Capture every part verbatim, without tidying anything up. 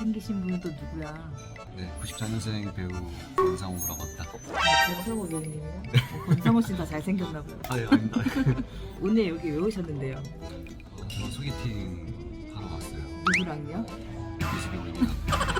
잘생기신 분은 또 누구야? 네, 구십사 년생 배우 권상우라고 합니다. 권상우 배우님이요? 어, 권상우 씨는 다 잘생겼나 봐요. 아유, 아닙니다. 오늘 여기 왜 오셨는데요? 어, 저는 소개팅 하러 왔어요. 누구랑요? 이수빈님이랑.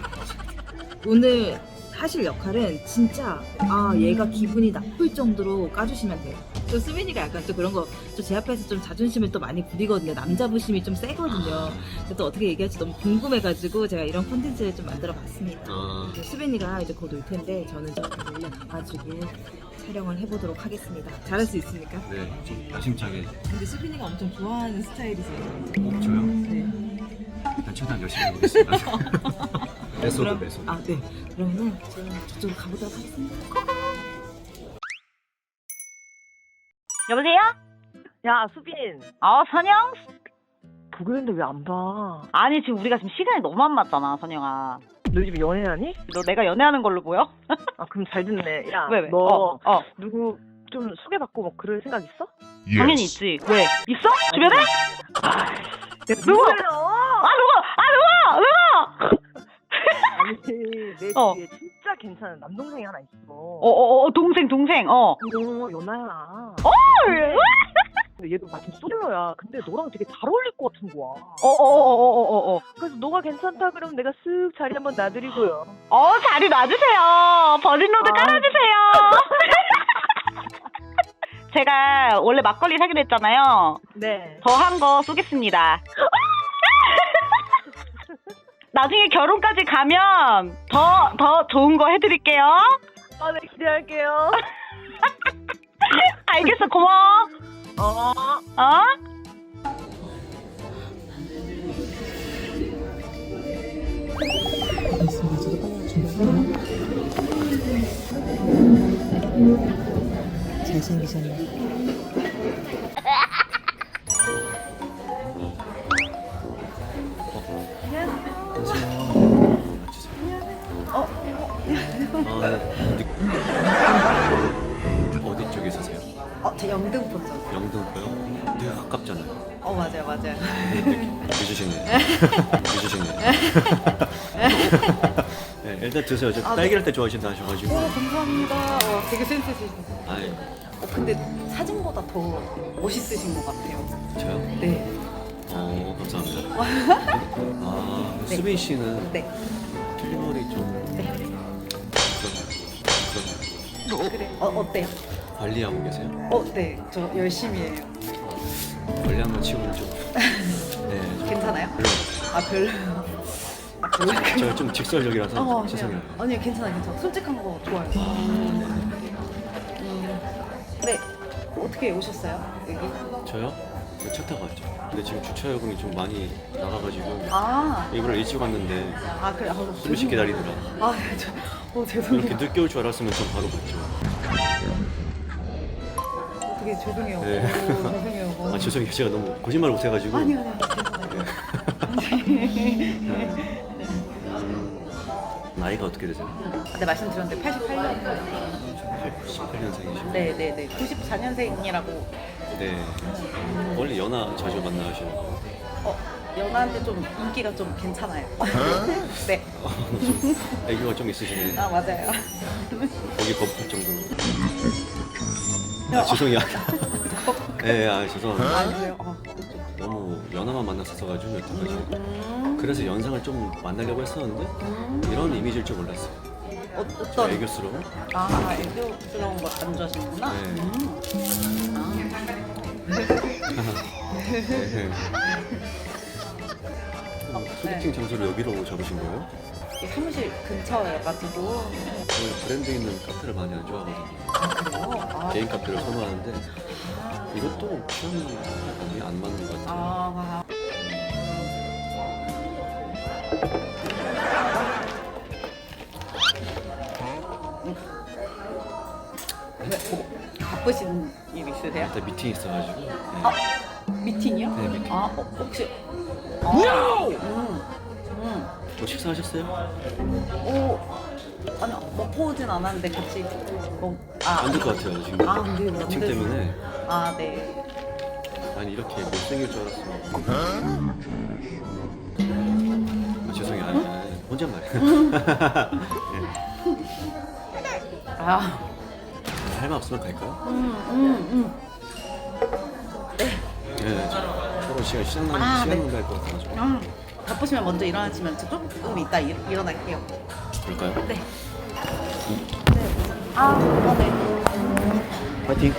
오늘 하실 역할은 진짜 아 얘가 기분이 나쁠 정도로 까주시면 돼요. 또 수빈이가 약간 또 그런 거 또 제 앞에서 좀 자존심을 또 많이 부리거든요. 남자 부심이 좀 세거든요. 그래서 또 어떻게 얘기할지 너무 궁금해가지고 제가 이런 콘텐츠를 좀 만들어 봤습니다. 아, 수빈이가 이제 곧 올 텐데 저는 좀 몰래 가가지고 촬영을 해보도록 하겠습니다. 잘할 수 있습니까? 네, 좀 야심차게. 근데 수빈이가 엄청 좋아하는 스타일이세요. 어, 저요? 네. 일단 최대한 열심히 해보겠습니다. 메소드, 그럼- 메소드. 아, 네. 그러면은 저는 저쪽으로 가보도록 하겠습니다. 여보세요? 야, 수빈. 어, 선영? 보고 있는데 왜 안 봐? 아니, 지금 우리가 지금 시간이 너무 안 맞잖아, 선영아. 너 요즘 연애하니? 너 내가 연애하는 걸로 보여? 아, 그럼 잘 듣네. 야, 왜, 왜? 너 어, 어. 누구 좀 소개받고 뭐 그럴 생각 있어? 당연히 있지. 왜? 있어? 주변에? 누구? 누구예요? 아, 누구? 아, 누구? 누구? 아니, 내 어. 뒤에 진짜 괜찮은 남동생이 하나 있어. 어, 어, 어, 동생, 동생, 어. 어, 연아야. 헐! 근데 얘도 마침 솔로야. 근데 너랑 되게 잘 어울릴 것 같은 거야. 어, 어, 어, 어, 어, 어. 그래서 너가 괜찮다 그러면 내가 쓱 자리 한번 놔드리고요. 어, 자리 놔주세요. 버진로드 아. 깔아주세요. 제가 원래 막걸리 사기로 했잖아요. 네. 더 한 거 쏘겠습니다. 나중에 결혼까지 가면 더, 더 좋은 거 해드릴게요. 아, 네, 기대할게요. 알겠어, 고마워. 어. 어? 잘생기셨네. 어디 쪽에 사세요? 어, 저 영등포죠. 영등포요? 되게 가깝잖아요. 어, 맞아요, 맞아요. 늦으시네요. 늦으시네요. 네, 일단 드세요. 저 아, 딸기 라떼 좋아하신다 하셔가지고. 감사합니다. 어, 되게 센스 있으시네. 아이, 어, 근데 사진보다 더 멋있으신 것 같아요. 저요? 네. 어, 감사합니다. 아, 네. 수빈 씨는 네. 필머리 좀 네. 그런, 그래. 어, 어때요? 그런 관리하고 계세요? 어, 네. 저 열심히 해요. 관리한 거 치고는 좀. 네, 좀 괜찮아요? 별로. 아, 별로. 아, 별로. 제가 좀 직설적이라서 어, 죄송해요. 아니요, 괜찮아요, 괜찮아요. 솔직한 거 좋아요. 음, 네. 어떻게 오셨어요? 여기? 저요? 차 타고 왔죠. 근데 지금 주차 요금이 좀 많이 나가가지고 아, 일부러 일찍 왔는데 아, 그래. 아, 좀 씩 기다리더라. 아, 저, 어, 죄송해요. 이렇게 늦게 올 줄 알았으면 전 바로 갔죠. 되게 죄송해요. 네. 오, 죄송해요. 어. 아 죄송해요. 제가 너무 거짓말을 못해가지고. 아니요, 아니요. 괜찮아요. 음, 나이가 어떻게 되세요? 네, 말씀드렸는데 팔십팔 년. 십팔 년생이시고. 네, 네, 네. 구십사 년생이라고. 네. 원래 연하 자주 만나시는 거. 어, 연하한테 좀 인기가 좀 괜찮아요. 네. 좀 애교가 좀 있으시네. 아, 맞아요. 거기 거북할 정도로. 아, 죄송해요. 네, 아 죄송합니다. 아, 그래요? 어, 너무 연하만 만났었어가지고 여태까지. 음, 그래서 연상을 좀 만나려고 했었는데 이런 이미지일 줄 몰랐어요. 어, 저 어떤? 애교스러운? 아, 애교스러운 거 안 좋아하시는구나? 네. 음. 네. 어, 소개팅 장소를 여기로 잡으신 거예요? 이 사무실 근처여가지고. 저는 브랜드 있는 카페를 많이 안 좋아하거든요. 아, 그래요? 아, 개인 카페를 선호하는데 이것도 취향이 안 맞는 것 같아요. 아, 왜, 뭐, 바쁘신 일 있으세요? 일단 미팅 있어가지고. 네. 아, 미팅이요? 네, 미팅. 아, 어, 혹시. 아, 음, 음. 뭐 식사하셨어요? 오, 아니, 먹고 오진 않았는데 같이. 뭐, 아, 안 될 것 같아요 지금. 아, 안 돼요, 안 미팅 돼요. 때문에. 아, 네. 아니 이렇게 못생길 줄 알았어. 아, 죄송해요. 아니, 아니. 혼잣말이야. 아, 할 말 없으면 갈까요? 음, 음, 음. 네. 서로 시간 시간 낭비 아, 시간 네. 낭비할 것 같아가지고. 아, 바쁘시면 먼저 일어나시면 저 조금 이따 일, 일어날게요. 그럴까요? 네. 아, 아, 네. 파이팅.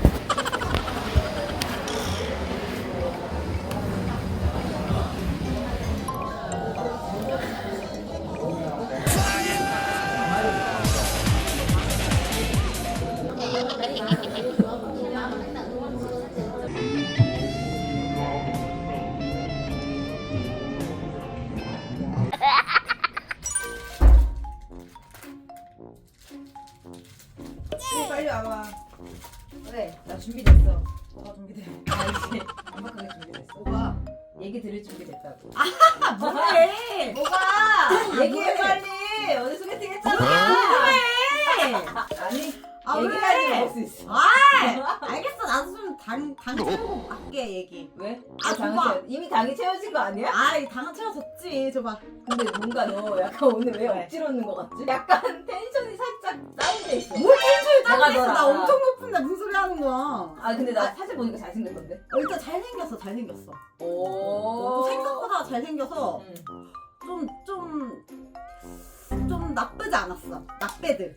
빨리 와봐. 그래, 나 준비됐어. 뭐가 준비돼? 나 이제 완벽하게 준비됐어. 뭐가? 얘기 들을 준비됐다고. 아, 뭐해? 뭐가? 얘기해 빨리. 어제 소개팅 했잖아. 뭐해? 아니, 아, 얘기까지 왜? 먹을 수 있어. 아, 알겠어. 나도 좀 당, 당 채우고 할게, 얘기. 왜? 아, 아, 당은 줘봐. 채워, 이미 당이 채워진 거 아니야? 아, 이 당은 채워졌지. 줘봐. 근데 뭔가 너 약간 오늘 왜 억지로 웃는 거 같지? 약간 텐션이 살짝 다운돼 있어. 뭘 텐션이 내가 다운돼 있어. 너랑. 나 엄청 높은데 무슨 소리 하는 거야. 아 근데 나 사실 보니까 잘생겼던데. 어, 일단 잘생겼어, 잘생겼어. 오. 또 생각보다 잘생겨서 응. 좀, 좀, 좀 나쁘지 않았어. 나빼드.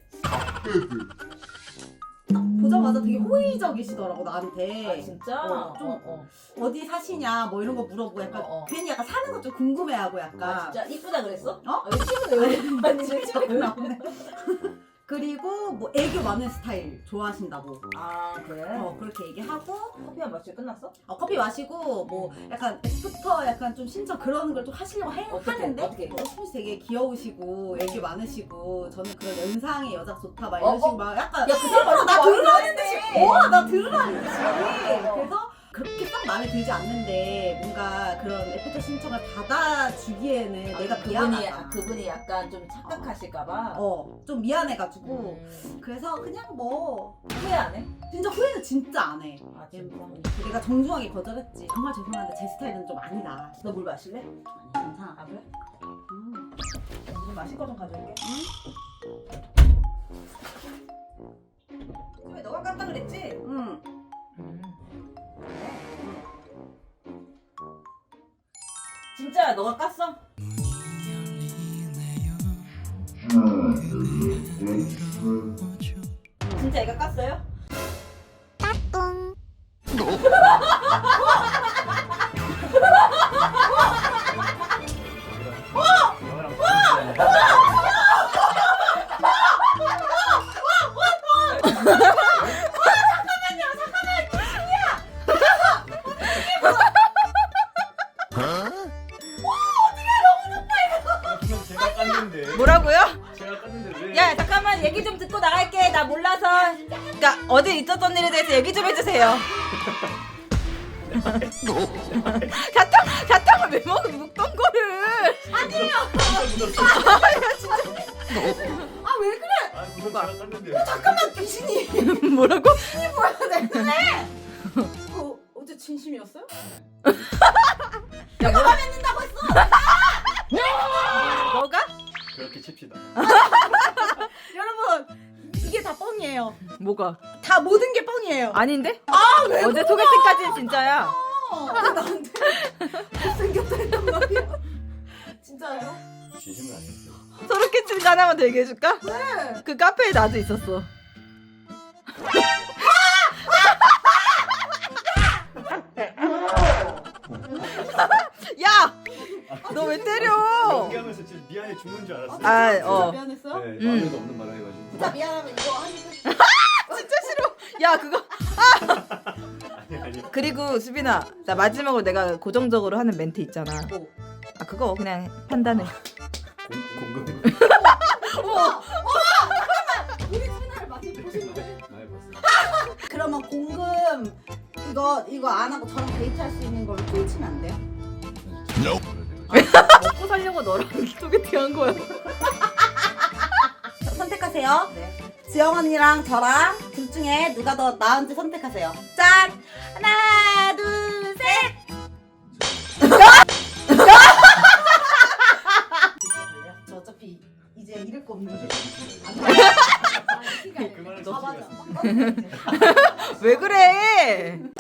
딱 보자마자 되게 호의적이시더라고, 나한테. 아 진짜? 어, 좀 어, 어. 어디 사시냐, 뭐 이런 거 물어보고 약간 어, 어. 괜히 약간 사는 거 좀 궁금해하고 약간. 아 진짜 이쁘다 그랬어? 어? 아, 왜 친구네 왜? 아니 진짜 왜 나오네. 그리고 뭐 애교 많은 스타일 좋아하신다고. 아 그래? 어 그렇게 얘기하고 커피 한 마시고 끝났어? 어, 커피 마시고 뭐 약간 애프터 약간 좀 신청 그런 걸 좀 하시려고 해, 어떻게, 하는데 어떻게? 어, 수민 씨 되게 귀여우시고 애교 많으시고 저는 그런 연상의 여자 좋다 막 어, 이런 식으로 어? 막 약간 야, 그 사람 어, 나 완전 들으라는 좋아하는데. 듯이 어나 들으라는 듯이 어. 그래서 그렇게 딱 마음에 들지 않는데 뭔가 그런 애프터 신청을 받아주기에는 아, 내가 그분이 미안하다. 아, 그분이 약간 좀 착각하실까봐. 어, 좀 미안해가지고 음. 그래서 그냥 뭐 후회 안 해? 진짜 후회는 진짜 안 해. 아 진짜? 내가 정중하게 거절했지. 정말 죄송한데 제 스타일은 좀 아니다. 너 물 마실래? 아니, 괜찮아. 아 그래? 음. 물 마실 거 좀 가져올게. 왜 너가 깠다 그랬지? 응. 음. 진짜 너가 깠어? 진짜 얘가 깠어요? 제가 깠는데. 뭐라고요? 제가 깠는데 왜? 야 잠깐만 얘기 좀 듣고 나갈게. 나 몰라서. 그러니까 어제 있었던 일에 대해서 얘기 좀 해주세요. 사탕 사탕을 왜 먹어 묵던 거를? 아니에요. 아 왜 그래? 아 무슨 제가 깠는데. 잠깐만 귀신이. 뭐라고? 뭐야 내 그래? 어, 어제 진심이었어요? 야 뭐라 믿는다고 했어? 뭐가? 그렇게 칩시다. 여러분 이게 다 뻥이에요. 뭐가? 다 모든 게 뻥이에요. 아닌데? 아왜 어제 소개팅까지는 진짜야. 아, 나한테 못생겼다 했단 말이야. 진짜요? 진심은 아니었어요. 소개팅 하나만 더 얘기해줄까? 네. 그 카페에 나도 있었어. 야! 너 왜 때려? 연기하면서 진짜 미안해 죽는 줄 알았어요. 아, 진짜 어. 미안했어요? 네, 음. 마음에도 없는 말을 해가지고. 진짜 미안하면 이거 하니까. 진짜 싫어. 야, 그거. 아니 아니. 그리고 수빈아, 나 마지막으로 내가 고정적으로 하는 멘트 있잖아. 뭐? 아, 그거 그냥 판단해. 공 공금. 어머! 우리 채널 많이 보시는데. 많이 봤어요. 그러면 공금 이거 이거 안 하고 저랑 데이트할 수 있는 걸로 퉁치면 안 돼요? 먹고 살려고 너랑 소개팅 한 거야. 선택하세요. 네. 지영 언니랑 저랑 둘 중에 누가 더 나은지 선택하세요. 짠! 하나, 둘, 셋! 저 또. 아 맞아. 왜 그래?